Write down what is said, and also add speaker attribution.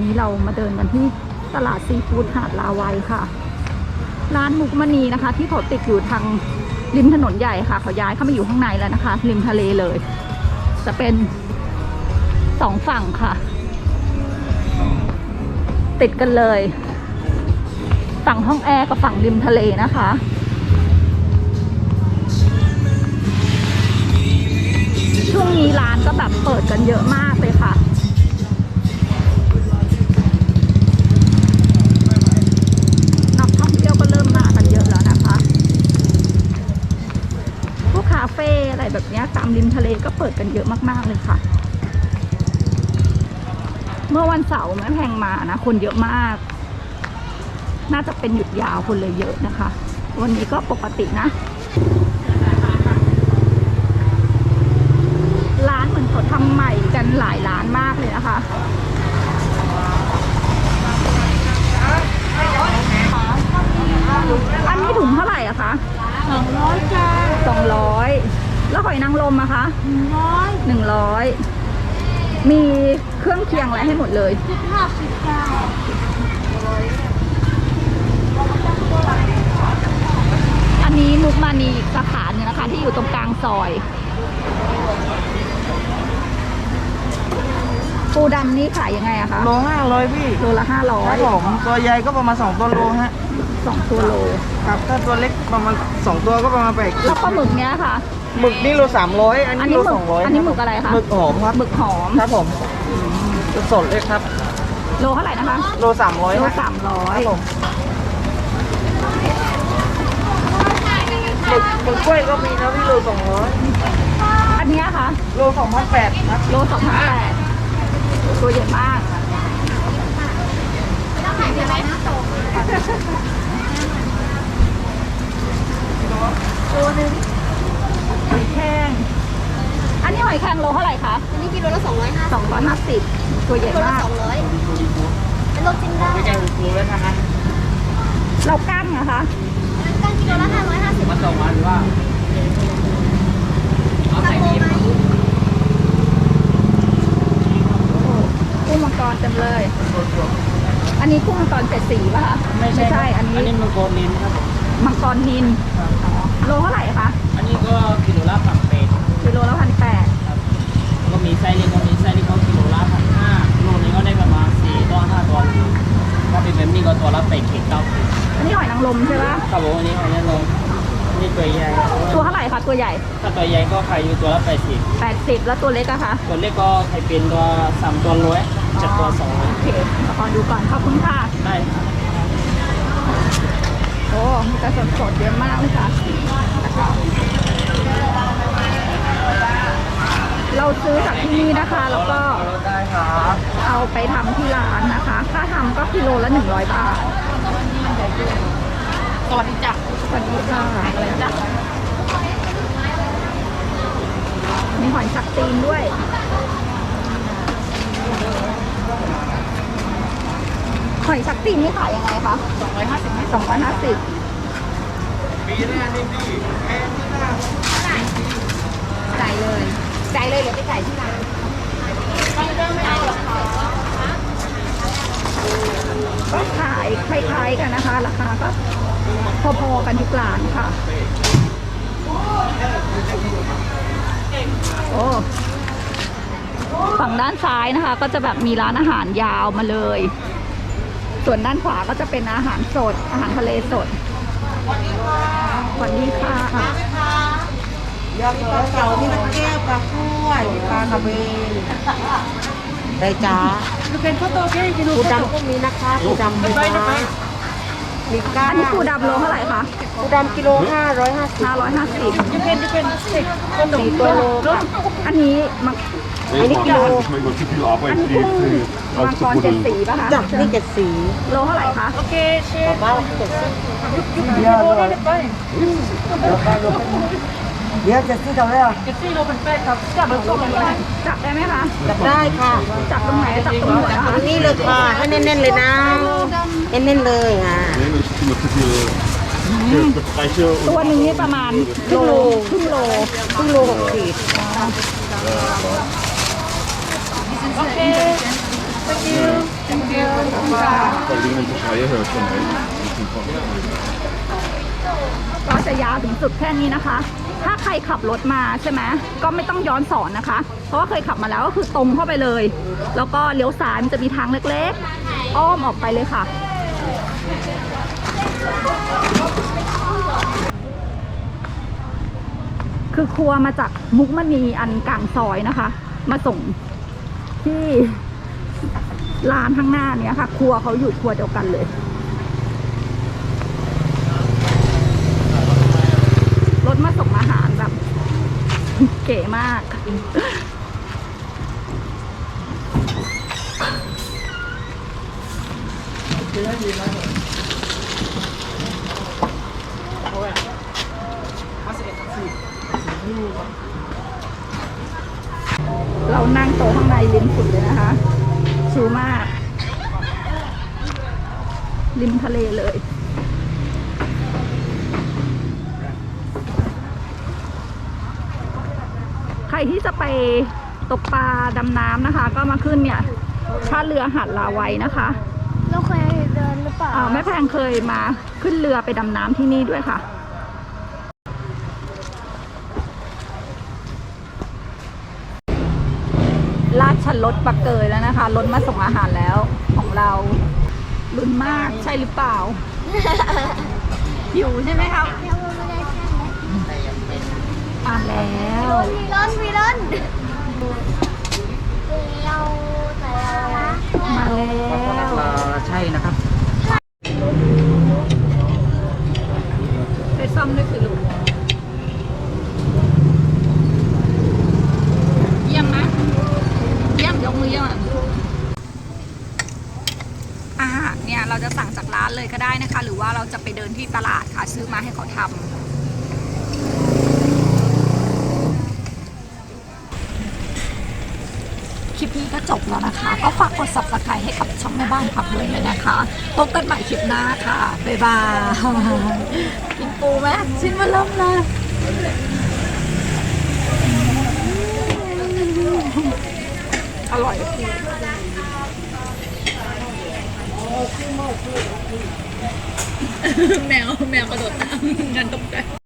Speaker 1: นี้เรามาเดินกันที่ตลาดซีฟู้ดหาดลาวัยค่ะร้านมุกมณีนะคะ ที่เขาติดอยู่ทางริมถนนใหญ่ค่ะเขาย้ายเข้ามาอยู่ข้างในแล้วนะคะริมทะเลเลยจะเป็น2ฝั่งค่ะติดกันเลยฝั่งห้องแอร์กับฝั่งริมทะเลนะคะช่วงนี้ร้านก็แบบเปิดกันเยอะมากเลยค่ะนักท่องเที่ยวก็เริ่มมากันเยอะแล้วนะคะพวกคาเฟ่อะไรแบบนี้ตามริมทะเลก็เปิดกันเยอะมากๆเลยค่ะเมื่อวันเสาร์แม่แพงมานะคนเยอะมากน่าจะเป็นหยุดยาวคนเลยเยอะนะคะวันนี้ก็ปกตินะร้านเหมือนเขาทำใหม่กันหลายร้านมากเลยนะคะอันนี้ถุงเท่าไหร่อะคะ
Speaker 2: 200จ้า
Speaker 1: 200แล้วหอยนางรมอะคะ100มีเครื่องเคียงอะไรให้หมดเลย
Speaker 2: 50จ้า
Speaker 1: อันนี้มุกมานีอีกสาขาหนึ่งนะคะที่อยู่ตรงกลางซอยปูดำนี่ขายยังไงอะคะ
Speaker 3: โล500พี่
Speaker 1: โลละ500
Speaker 3: ครับผมตัวใหญ่ก็ประมาณ2ตัวโลฮะ
Speaker 1: 2ตัวโล
Speaker 3: ครับถ้าตัวเล็กประมาณ2ตัวก็ประมาณ8
Speaker 1: แล้วปลาหมึกเนี้ยค่ะ
Speaker 3: หมึกนี่โล300อันนี้โล200
Speaker 1: อันนี้หมึกอะไรคะ
Speaker 3: หมึกหอมครับ
Speaker 1: หมึกหอม
Speaker 3: ครับผมสดเลยครับ
Speaker 1: โลเท่าไหร่นะคะ
Speaker 3: โล300
Speaker 1: โล300
Speaker 3: ครับผมหมึกกล้วยก็มีนะพี่โล200
Speaker 1: อันนี้ค่ะ
Speaker 3: โล2,800ครับ
Speaker 1: โล2,800ตัวใหญ่มากตัวนึงหอยแครงอันนี้หอยแครงโลเท่าไหร่คะ
Speaker 2: อันนี้กิโลละ
Speaker 1: 250ตัวใหญ่มาก
Speaker 2: 200เป็นโลจิ้มได้
Speaker 3: ไม่ใช่หูแล้วนะฮะ
Speaker 1: เรากั้งนะคะ
Speaker 2: กั้งกิโลละ550
Speaker 3: มาส่งมาหรือว่า
Speaker 2: เอาใส่ดีไหม
Speaker 1: กุ้งมังกรเต็มเลยอันนี้กุ้งมังกร7 สีป่ะคะ
Speaker 3: ไม่ใช่
Speaker 1: อันนี้
Speaker 3: มังกรนินครับ
Speaker 1: มังกรนินโลเท่าไหร่คะ
Speaker 3: อันนี้ก็กิโลละ1,800
Speaker 1: กิโลละ1,800
Speaker 3: ก็มีไส้เล็กก็มีไส้เล็กก็กิโลละ1,500โลนึงก็ได้ประมาณ4ตัว5ตัวถ้าเป็นแบบนี้ก็ตัวละ8 9
Speaker 1: อันนี้หอยนางรมใช่ปะ
Speaker 3: ครับผมอันนี้หอยนางรมนี่ตัวใหญ่
Speaker 1: ตัวเท่าไหร่คะตัวใหญ่
Speaker 3: ถ้าตัวใหญ่ก็ขายอยู่ตัวละ
Speaker 1: 80แล้วตัวเล็กอะคะ
Speaker 3: ตัวเล็กก็ขายเป็นตัว3ตัว100 7ตัว200
Speaker 1: โอเคขอดูก่อนขอบคุณค่ะ
Speaker 3: ได้
Speaker 1: โอ้มีแต่สดๆเยอะมากเลยค่ะเราซื้อจากที่นี่นะคะแล้วก็เอาไปทำที่ร้านนะคะค่าทำก็กิโลละ100 บาท
Speaker 2: สวัสดีจ้ะ
Speaker 1: สวัสดีค่ะอะไรจ้ะมีหอยสักตีนด้วยหอยสักตีนนี่ขายยังไงคะ250
Speaker 3: ปีหน้านี่พี่แพงที่หน้า
Speaker 2: จ่ายเลยเดี๋ยวไปจ่ายที่ร้านไม่เอาหรอกค่ะ
Speaker 1: ก็ขายคล้ายๆกันนะคะราคาก็พอๆกันทุกร้านค่ะโอ้ฝั่งด้านซ้ายนะคะก็จะแบบมีร้านอาหารยาวมาเลยส่วนด้านขวาก็จะเป็นอาหารสดอาหารทะเลสดสวัสดีค่ะ
Speaker 3: ยอดปลาเก๋ามีตะแก้วปลาคุ้วยปลากระเบนได้จ้า
Speaker 2: ดูเป็นข้าวโตแค่กิโล
Speaker 3: ปูดำก็มีนะคะปูดำมีก้า
Speaker 1: อันนี้ปูดำโลเท่าไหร่คะ
Speaker 3: ปูดำกิโล550
Speaker 1: จะเป็น4 ตัวโลอันนี้
Speaker 3: อันนี้กิโล
Speaker 1: อันนี้กุ้งมังกร7 สีป่ะคะ
Speaker 3: จับนี่7 สี
Speaker 1: โลเท่าไหร่คะ
Speaker 2: โอเคเชฟ
Speaker 3: ป้า7 สีเดี๋ยว7 สีเท่าไหร่
Speaker 2: 7 สีโลเป็น8ครับจับโลเป็น8
Speaker 1: จับได้ไหมคะ
Speaker 3: จับได้ค่ะ
Speaker 1: จับตรงไหนจับตรงหัวนะคะ
Speaker 3: นี่เลยค่ะให้แน่นๆเลยนะเน้นๆเลยค่ะ
Speaker 1: ตัวหนึ่งนี่ประมาณครึ่งโล
Speaker 3: 6 ขีด
Speaker 2: โอเค thank you
Speaker 1: ก็จะยาวถึงสุดแค่นี้นะคะ ถ้าใครขับรถมาใช่ไหมก็ไม่ต้องย้อนสอนนะคะ เพราะว่าเคยขับมาแล้วก็คือตรงเข้าไปเลย แล้วก็เลี้ยวซ้ายมันจะมีทางเล็กๆอ้อมออกไปเลยค่ะ คือครัวมาจากมุกมณีอันกลางซอยนะคะ มาส่งที่ร้านข้างหน้าเนี้ยค่ะ ครัวเขาอยู่ครัวเดียวกันเลย รถมาส่งอาหารแบบ เก๋มาก เรานั่งโต๊ะข้างในริมสุดเลยนะคะ ชิลมาก ริมทะเลเลย ใครที่จะไปตกปลาดำน้ำนะคะ ก็มาขึ้นเนี่ยท่าเรือหาดลาวัยนะคะ
Speaker 2: เราเคยเดินหรือเปล่า
Speaker 1: แม่แพงเคยมาขึ้นเรือไปดำน้ำที่นี่ด้วยค่ะ ลาดชันรถปักเกยแล้วนะคะ รถมาส่งอาหารแล้วของเราลุ้นมากใช่หรือเปล่า หิวใช่ไหมครับมาแล้ว
Speaker 2: วีรอนวีรอนเราแต่ละ
Speaker 1: มาแล้ว
Speaker 3: ใช่นะครับ
Speaker 1: ไปซ่อมด้วยสิลูกเยี่ยมนะเยี่ยมยกมือเยี่ยมอาหารเนี่ยเราจะสั่งจากร้านเลยก็ได้นะคะ หรือว่าเราจะไปเดินที่ตลาดค่ะซื้อมาให้เขาทำคลิปนี้ก็จบแล้วนะคะ ก็ฝากกด subscribe ให้กับช่องแม่บ้านพับด้วยนะคะพบกันใหม่คลิปหน้าค่ะ บ๊ายบายกินปูไหมชิ้นมาเริ่มเลยอร่อยแมวกระโดดน้ำกันตกใจ